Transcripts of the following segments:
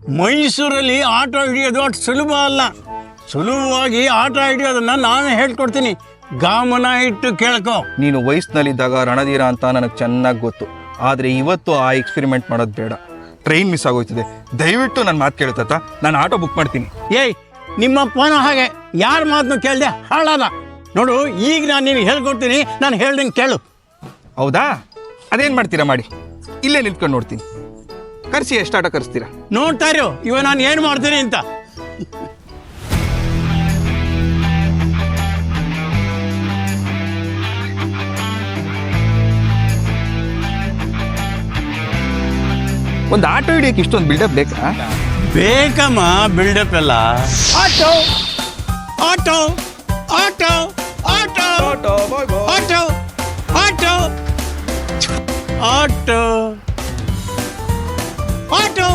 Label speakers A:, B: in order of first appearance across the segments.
A: ಮೈಸೂರಲ್ಲಿ ಆಟೋ ಹಿಡಿಯೋದು ಅಷ್ಟು ಸುಲಭ ಅಲ್ಲ. ಸುಲಭವಾಗಿ ಆಟೋ ಹಿಡಿಯೋದನ್ನು ನಾನು ಹೇಳ್ಕೊಡ್ತೀನಿ, ಗಮನ ಇಟ್ಟು ಕೇಳ್ಕೊ.
B: ನೀನು ವಯಸ್ಸಿನಲ್ಲಿದ್ದಾಗ ರಣಧೀರ ಅಂತ ನನಗೆ ಚೆನ್ನಾಗಿ ಗೊತ್ತು. ಆದರೆ ಇವತ್ತು ಆ ಎಕ್ಸ್ಪೆರಿಮೆಂಟ್ ಮಾಡೋದು ಬೇಡ. ಟ್ರೈನ್ ಮಿಸ್ ಆಗೋಯ್ತದೆ. ದಯವಿಟ್ಟು ನನ್ನ ಮಾತು ಕೇಳ್ತಾ, ನಾನು ಆಟೋ ಬುಕ್ ಮಾಡ್ತೀನಿ.
A: ಏಯ್, ನಿಮ್ಮ ಫೋನ್ ಹಾಗೆ ಯಾರ ಮಾತನ್ನು ಕೇಳದೆ ಹಾಳಾದ ನೋಡು. ಈಗ ನಾನು ನಿನಗೆ ಹೇಳ್ಕೊಡ್ತೀನಿ, ನಾನು ಹೇಳ್ದಂಗೆ ಕೇಳು.
B: ಹೌದಾ? ಅದೇನು ಮಾಡ್ತೀರಾ ಮಾಡಿ, ಇಲ್ಲೇ ನಿಂತ್ಕೊಂಡು ನೋಡ್ತೀನಿ. ಕರೆಸಿ, ಎಷ್ಟು ಆಟೋ ಕರೆಸ್ತೀರಾ
A: ನೋಡ್ತಾ ಇರೋ ಇವ ನಾನು ಏನು ಮಾಡ್ತೀನಿ ಅಂತ.
B: ಒಂದು ಆಟೋ ಹಿಡಿಯೋಕೆ ಇಷ್ಟೊಂದು ಬಿಲ್ಡಪ್ ಬೇಕಾ?
A: ಬೇಕಮ್ಮ ಬಿಲ್ಡಪ್ ಎಲ್ಲ. Auto auto auto auto auto auto auto auto.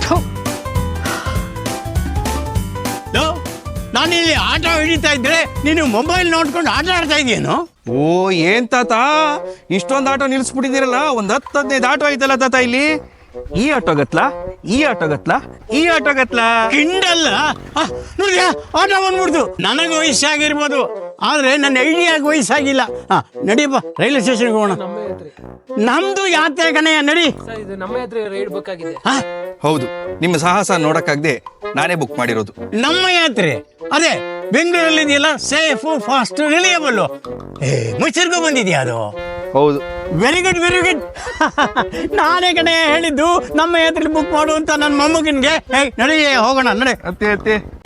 A: ನಾನಿಲ್ಲಿ ಆಟೋ ಹಿಡಿತಾ ಇದ್ರೆ ನೀನು ಮೊಬೈಲ್ ನೋಡ್ಕೊಂಡು ಆಟ ಆಡ್ತಾ ಇದೆಯೇನು?
B: ಓ, ಏನ್ ತಾತ ಇಷ್ಟೊಂದು ಆಟೋ ನಿಲ್ಲಿಸ್ಬಿಟ್ಟಿದ್ದೀರಲ್ಲ? ಒಂದು 10-15 ಆಟೋ ಐತಲ್ಲ ತಾತ ಇಲ್ಲಿ. ಈ ಆಟೋ ಗತ್ಲಾ, ಈ ಆಟೋ ಗತ್ಲಾ, ಈ ಆಟೋ ಗತ್ಲಾ.
A: ಕಿಂಡಲ್ಲ ನೋಡಿದ್ಯಾ, ಆಟೋ ಬಂದ್ಬಿಡ್ತು. ನನಗೆ ವಯಸ್ಸಾಗಿರ್ಬೋದು, ಆದ್ರೆ ನನ್ನ ಐಡಿಯಾಗ ವಯಸ್ಸಾಗಿಲ್ಲ. ನಡಿಯಪ್ಪ, ರೈಲ್ವೆ ಸ್ಟೇಷನ್ಗೆ ಹೋಗೋಣ. ನಮ್ದು ಯಾತ್ರೆ ಕಣಯ್ಯ, ನಡಿ.
C: ನಮ್ಮ ಯಾತ್ರೆ ರೈಡ್ ಬುಕ್ ಆಗಿದೆ.
B: ಹೌದು, ನಿಮ್ಮ ಸಾಹಸ ನೋಡಕ್ಕಾಗದೆ ನಾನೇ ಬುಕ್ ಮಾಡಿರೋದು.
A: ನಮ್ಮ ಯಾತ್ರೆ ಅದೇ ಬೆಂಗಳೂರಲ್ಲಿ ಇದೆಯಲ್ಲ, ಸೇಫು, ಫಾಸ್ಟ್, ರಿಲಿಯಬಲ್. ಮೈಸೂರಿಗೂ ಬಂದಿದ್ಯಾ ಅದು?
B: ಹೌದು.
A: Very good, very good. ನಾನೇ ಕಣೆ ಹೇಳಿದ್ದು ನಮ್ಮ ಯಾತ್ರೆ ಬುಕ್ ಮಾಡು ಅಂತ ನನ್ನ ಮೊಮ್ಮಗನಿಗೆ. ನಡಿ ಹೋಗೋಣ, ನಡೆ.
B: ಅತ್ತೆ